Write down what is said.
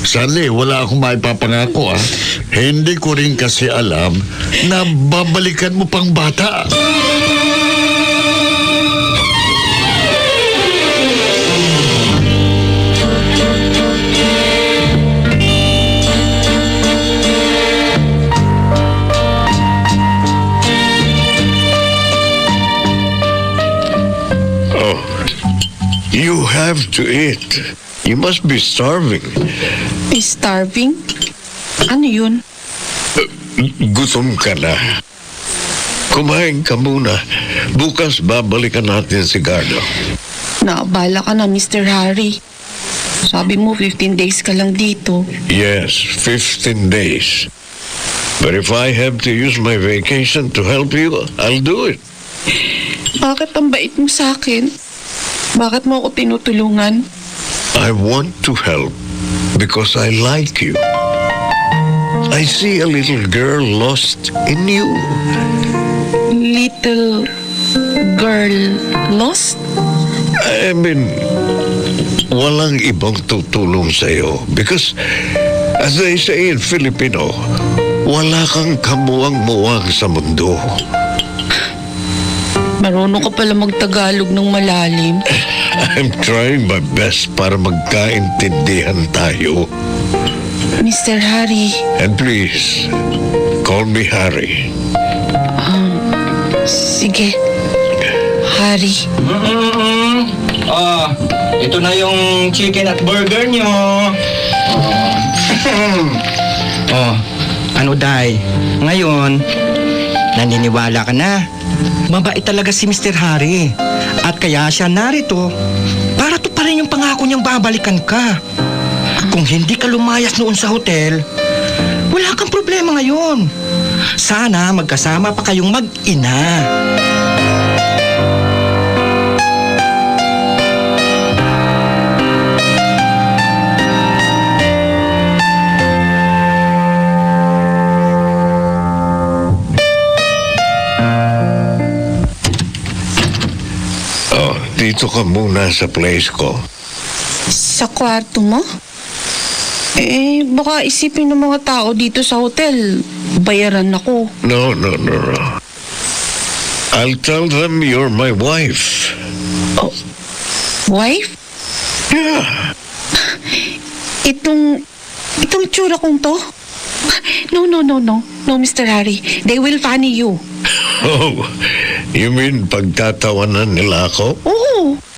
Sally, wala akong maipapangako Hindi ko rin kasi alam na babalikan mo pang bata. Oh, you have to eat. You must be starving. Starving? Ano yun? Gutom ka na. Kumain ka muna. Bukas babalikan natin si Gardo. Naabala ka na, Mr. Harry. Sabi mo, 15 days ka lang dito. Yes, 15 days. But if I have to use my vacation to help you, I'll do it. Bakit ang bait mo sa akin? Bakit mo ako tinutulungan? I want to help because I like you. I see a little girl lost in you. Little girl lost? I mean, walang ibang tutulong sa'yo because, as they say in Filipino, wala kang kamuwang-muwang sa mundo. Marunong ka pala magtagalog ng malalim. I'm trying my best para magkaintindihan tayo. Mr. Harry. And please, call me Harry. Sige. Harry. Ito na yung chicken at burger nyo. Ano Day? Ngayon, naniniwala ka na. Mabait talaga si Mr. Harry. At kaya siya narito para to pa rin yung pangako niyang babalikan ka. Kung hindi ka lumayas noon sa hotel, wala kang problema ngayon. Sana magkasama pa kayong mag-ina. Dito ka muna sa place ko. Sa kwarto mo? Baka isipin ng mga tao dito sa hotel, bayaran ako. No. I'll tell them you're my wife. Oh, wife? Yeah. Itong tsura kong to? No, Mr. Harry. They will funny you. Oh, you mean pagtatawanan nila ako? Oo,